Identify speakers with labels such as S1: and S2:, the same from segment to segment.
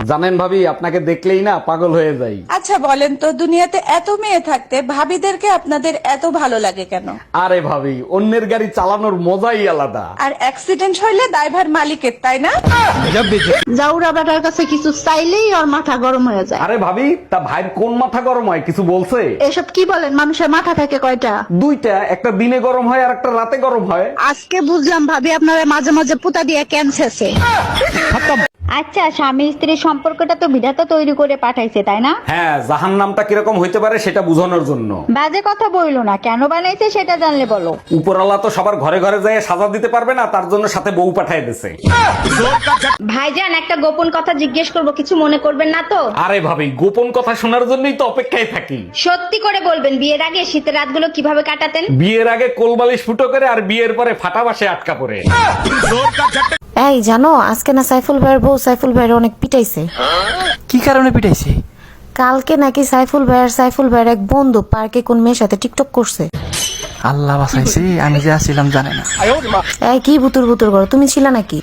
S1: জানেন ভাবি, আপনাকে দেখলেই না পাগল হয়ে যাই।
S2: আচ্ছা বলেন তো, দুনিয়াতে এত মেয়ে থাকতে ভাবিদেরকে আপনাদের এত ভালো লাগে কেন?
S1: আরে ভাবি, অন্যের গাড়ি চালানোর মজাই আলাদা।
S2: আর অ্যাক্সিডেন্ট হইলে দায়ভার মালিকের, তাই না?
S3: জাউরা বেটার কাছে কিছু চাইলেই ওর মাথা গরম হয়ে যায়।
S1: আরে ভাবি, তা ভাইয়ের কোন মাথা গরম হয়, কিছু বলছে?
S3: এসব কি বলেন, মানুষের মাথা থাকে কয়টা?
S1: দুইটা, একটা দিনে গরম হয় আর একটা রাতে গরম হয়।
S3: আজকে বুঝলাম ভাবি আপনারা মাঝে মাঝে পুতা দিয়ে ক্যান্সারছে।
S4: আচ্ছা, স্বামী স্ত্রীর সম্পর্কটা তো বিধাতা তৈরি করে পাঠাইছে, তাই না?
S1: হ্যাঁ, জাহান্নামটা কিরকম হইতে পারে সেটা বোঝানোর জন্য।
S4: বাজে কথা বইলো না, কেন বানাইছে সেটা জানলে বলো।
S1: উপরওয়ালা তো সবার ঘরে ঘরে যায় সাজা দিতে পারবে না, তার জন্য সাথে বউ পাঠায় দিছে।
S4: ভাইজান, একটা গোপন কথা জিজ্ঞেস করব, কিছু মনে করবেন না তো?
S1: আরে ভাবি, গোপন কথা শোনার জন্যই তো অপেক্ষায় থাকি।
S4: সত্যি করে বলবেন, বিয়ের আগে শীতের রাতগুলো কিভাবে কাটাতেন?
S1: বিয়ের আগে কোলবালিশ ফুটো করে, আর বিয়ের পরে ফাটা বাসে আটকা পড়ে।
S5: এই জানো, আজকে না সাইফুল ভাইয়ের বউ সাইফুল ভাইয়ের অনেক পিটাইছে।
S6: কি কারণে পিটাইছে?
S5: কালকে নাকি সাইফুল ভাইয়ের এক বন্ধু পার্কে কোন মেয়ের সাথে টিকটক করছে।
S6: আল্লাহ বাঁচাইছে, আমি যে আসছিলাম জানে না।
S5: এই কি বুতুর বুতুর করো, তুমি ছিলা নাকি?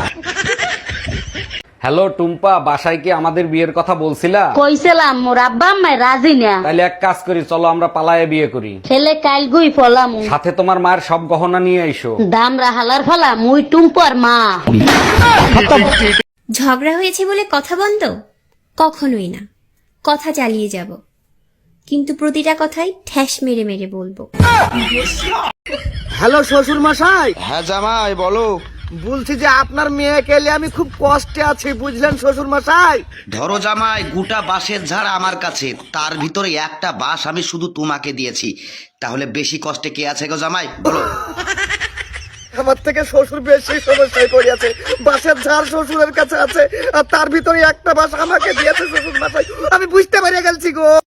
S1: হ্যালো টুম্পা, বাসায় কি আমাদের বিয়ের কথা বলছিলা?
S7: কইছিলাম মোর আব্বা আম্মাই রাজি না।
S1: তাহলে এক কাজ করি, চলো আমরা পালায়ে বিয়ে করি।
S7: ছেলে কাল গুই ফলাম
S1: সাথে তোমার মায়ের সব গহনা নিয়ে আইসো।
S7: দামরা হালার ফলা মুই টুম্পর মা।
S8: ঝগড়া হয়েছে বলে কথা বন্ধ? কখনোই না, কথা চালিয়ে যাব, কিন্তু প্রতিটা কথাই ঠ্যাস মেরে মেরে বলবো।
S9: হ্যালো শ্বশুর মশাই।
S10: হ্যাঁ জামাই বলো।
S9: বলছি যে আপনার মেয়েকে নিয়ে আমি খুব কষ্টে আছি, বুঝলেন শ্বশুর মশাই।
S10: ধরো জামাই, গোটা বাঁশের ঝাড় আমার কাছে, তার ভিতরে একটা বাঁশ আমি শুধু তোমাকে দিয়েছি, তাহলে বেশি কষ্টে কে আছে গো জামাই বলো?
S9: আমার থেকে শ্বশুর বেশি সমস্যায় পড়িয়াছে। বাঁশের ঝাড় শ্বশুরের কাছে আছে, আর তার ভিতরে একটা বাঁশ আমাকে দিয়েছে শ্বশুর মশাই। আমি বুঝতে পেরে গেছি গো।